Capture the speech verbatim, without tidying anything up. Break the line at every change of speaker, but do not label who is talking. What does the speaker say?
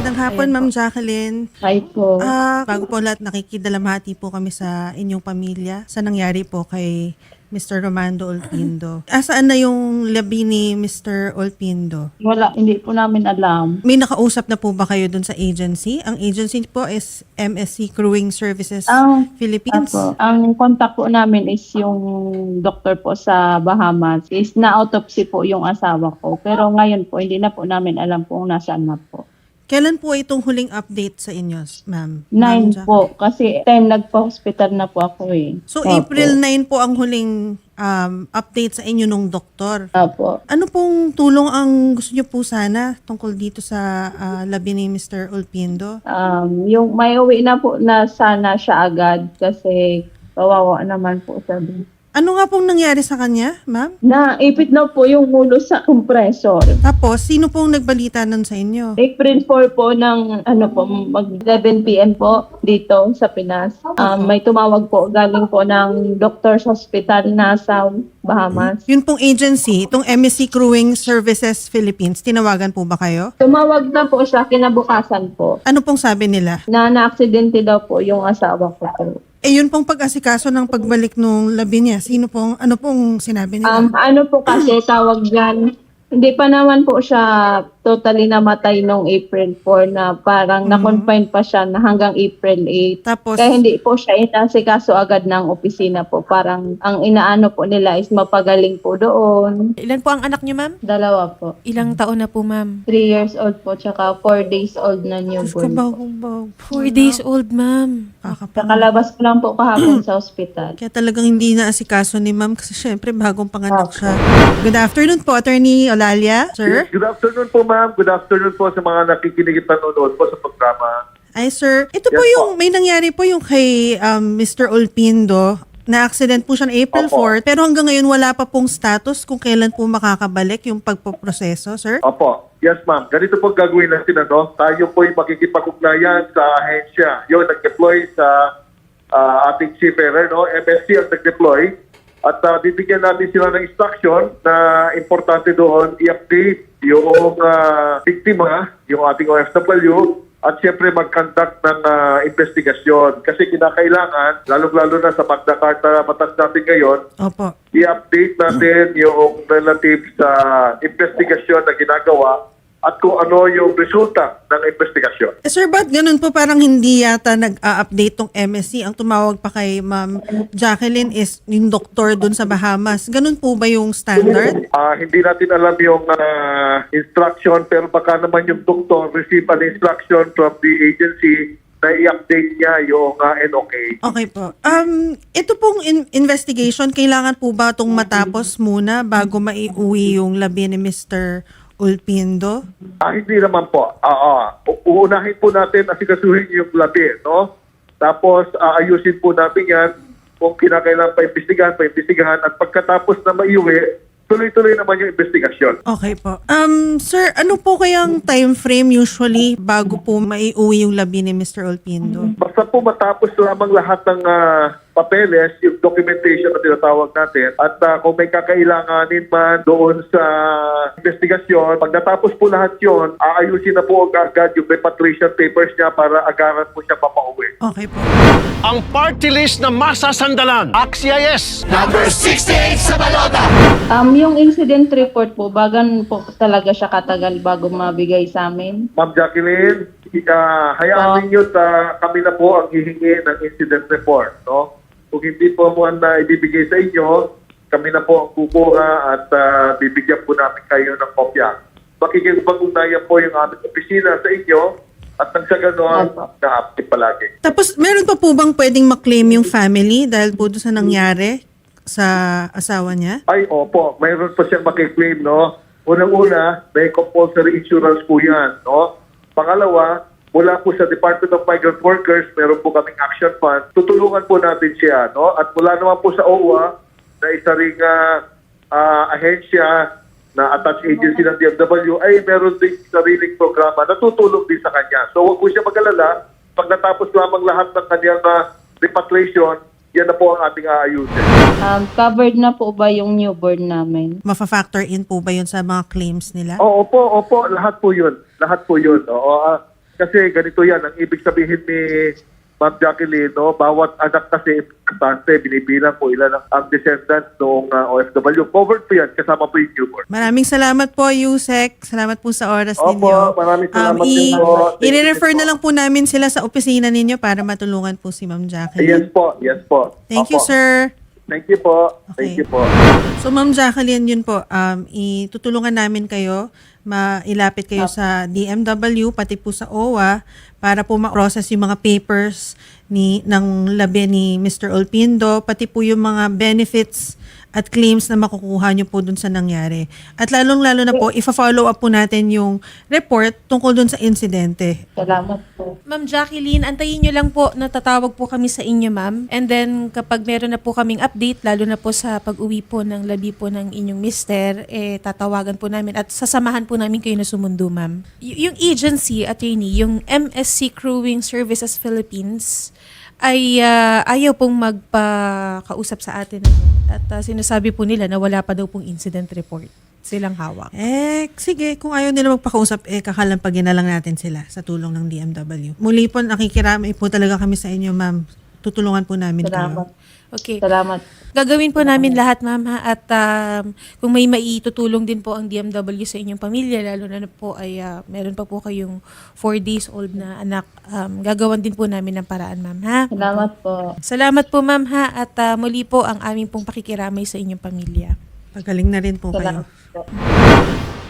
Magandang hapon,
Ayan
Ma'am
po.
Jacqueline.
Hi po.
Ah, bago po lahat, nakikidalamhati po kami sa inyong pamilya sa nangyari po kay Mister Romando Olpindo. Asaan na yung labi ni Mister Olpindo?
Wala, hindi po namin alam.
May nakausap na po ba kayo dun sa agency? Ang agency po is M S C Crewing Services
Ang,
Philippines.
Apo, ang contact po namin is yung doctor po sa Bahamas. Is na-autopsy po yung asawa ko. Pero ngayon po, hindi na po namin alam kung nasaan na po.
Kailan po itong huling update sa inyo, ma'am?
Nine
Ma'am
po. Kasi ten nagpa-hospital na po ako eh.
So,
Opo.
April nine po ang huling um, update sa inyo nung doktor.
Opo.
Ano pong tulong ang gusto niyo po sana tungkol dito sa ah, labi ni Mister Olpindo?
Um, yung may uwi na po na sana siya agad kasi kawawa naman po sabi.
Ano nga pong nangyari sa kanya, ma'am?
Naipit na po yung ulo sa compressor.
Tapos, sino pong nagbalita nun sa inyo?
April four po ng ano po mag eleven p m po dito sa Pinas. Um, may tumawag po galing po ng Doctors Hospital na sa Bahamas.
Yun pong agency, itong M S C Crewing Services Philippines, tinawagan po ba kayo?
Tumawag na po siya kinabukasan po
Ano pong sabi nila?
na na-aksidente daw po yung asawa ko po.
Eh, yun pong pag-asikaso ng pagbalik nung labi niya, sino pong, ano pong sinabi nila?
Um, ano po kasi tawag dyan, hindi pa naman po siya totally namatay nung April four na parang na-confine pa siya na hanggang April eight.
Tapos,
Kaya hindi po siya inasikaso agad ng opisina po. Parang ang inaano po nila is mapagaling po doon.
Ilan po ang anak niyo, ma'am?
Dalawa po.
Ilang taon na po, ma'am?
Three years old po, tsaka four days old na
Diyos ko,
newborn po.
bagong-bag.
Four days old, ma'am.
Kakalabas ko lang po kahapon sa ospital.
Kaya talagang hindi na asikaso ni ma'am kasi syempre bagong panganak siya. Good afternoon po, Attorney Olalia, sir.
Good afternoon po, ma'am. Good afternoon po sa mga nakikinig at nanonood po sa programa.
Ay, sir. Ito po
Yes,
yung, may nangyari po yung kay um, Mister Olpindo. Na-accident po siya ng April
Opo.
fourth, pero hanggang ngayon wala pa pong status kung kailan po makakabalik yung pagpoproseso, sir.
Opo. Yes, ma'am. Ganito po gagawin natin, ano? Tayo po yung makikipag-ugnayan sa ahensya. Yung nag-deploy sa ah, ating seafarer, no? M S C ang nag-deploy. At ah, bibigyan natin sila ng instruction na importante doon i-update yung ah, biktima, yung ating O F W, at siyempre mag-conduct ng ah, investigasyon. Kasi kinakailangan, lalong-lalo na sa Magna Carta batas natin ngayon,
Opo.
i-update natin yung relative sa investigasyon na ginagawa at kung ano yung resulta ng investigasyon.
Eh, sir, ba't ganun po parang hindi yata nag-a-update tong M S C? Ang tumawag pa kay Ma'am Jacqueline is yung doktor dun sa Bahamas. Ganun po ba yung standard?
Ah, hindi natin alam yung ah, instruction pero baka naman yung doktor receive an instruction from the agency na i-update niya yung ah, N O K.
Okay po. Um, ito pong in- investigation, kailangan po ba itong matapos muna bago maiuwi yung labi ni Mister Olpindo?
Ah, hindi naman po. Ah, ah. U- uunahin po natin asikasuhin yung labi, no? Tapos aayusin po natin yan kung kinakailangan pa-imbestigahan, pa-imbestigahan at pagkatapos na maiuwi, tuloy-tuloy naman yung investigasyon.
Okay po. Um, sir, ano po kayang time frame usually bago po maiuwi yung labi ni Mister Olpindo?
Basta po matapos lamang lahat ng ah, papeles, yung documentation na tinatawag natin, at ah, kung may kakailanganin man doon sa investigasyon, pag natapos po lahat yon, aayusin na po agad yung repatriation papers niya para agaran po siya papauwi.
Okay po.
Ang party list na masasandalan. Axia yes!
Um, yung incident report po, bagan po talaga siya katagal bago mabigay sa amin.
Ma'am Jacqueline, uh, hayaan ninyo na kami na po ang hihingi ng incident report. No? Kung hindi po mo na ibibigay sa inyo, kami na po ang kukuha at ah, bibigyan po namin kayo ng kopya. Makikipag-ugnayan po yung aming opisina sa inyo at nang sa gano'n,
Opo.
na-update palagi.
Tapos, meron pa po bang pwedeng maklaim yung family dahil po doon sa nangyari sa asawa niya?
Ay, opo, mayroon po siyang makiklaim, no? Unang-una, may compulsory insurance po yan, no? Pangalawa, mula po sa Department of Migrant Workers, meron po kaming action fund. Tutulungan po natin siya, no? At mula naman po sa O W A, na isa ring ah, ah, ahensya na attached agency ng D F W, ay meron din sariling programa na tutulong din sa kanya. So huwag po siya mag-alala. Pag natapos lamang lahat ng kanyang ah, repatriation, yan na po ang ating aayusin.
Um, covered na po ba yung newborn namin?
Mafa-factor in po ba yun sa mga claims nila?
Oo, opo, opo, lahat po yun. Lahat po yun. Oo, ah, Kasi ganito yan, ang ibig sabihin ni Ma'am Jacqueline, no, bawat anak kasi importante, binibilang ko ilan ang, ang descendant noong uh, O F W. Covered po yan, kasama po yung newborn.
Maraming salamat po, Yusek. Salamat po sa oras
Opo,
ninyo.
maraming salamat
Um,
din po. Thank you
I-refer
din
na
po.
lang po namin sila sa opisina ninyo para matulungan po si Ma'am
Yes
Jacqueline.
po, yes po.
Thank you,
Opo.
sir.
Thank you po. Thank
Okay.
you po.
So, Ma'am Jacqueline, yun po, um, itutulungan namin kayo, mailapit kayo sa D M W, pati po sa O W A, para po ma-process yung mga papers ni, ng labi ni Mister Olpindo, pati po yung mga benefits at claims na makukuha nyo po dun sa nangyari. At lalong-lalo na po, ifa-follow up po natin yung report tungkol dun sa insidente.
Salamat po.
Ma'am Jacqueline, antayin nyo lang po na tatawag po kami sa inyo, ma'am. And then, kapag meron na po kaming update, lalo na po sa pag-uwi po ng labi po ng inyong mister, eh, tatawagan po namin at sasamahan po namin kayo na sumundo, ma'am. Y- yung agency, attorney, yung M S C Crewing Services Philippines, ay ah, ayaw pong magpakausap sa atin. ano. At ah, sinasabi po nila na wala pa daw pong incident report silang hawak.
Eh, sige, kung ayaw nila magpakausap, eh, kakalampagin na lang natin sila sa tulong ng D M W. Muli po, nakikiramay po talaga kami sa inyo, ma'am. Tutulungan po namin
Salamat.
kayo.
Okay.
Salamat.
Gagawin po namin lahat, ma'am, ha? At um, kung may maitutulong din po ang D M W sa inyong pamilya, lalo na po ay ah, meron pa po kayong four days old na anak, um, gagawan din po namin ng paraan, ma'am, ha?
Salamat po.
Salamat po, ma'am, ha? At ah, muli po ang aming pong pakikiramay sa inyong pamilya.
Pagaling na rin po kayo.
Salamat po.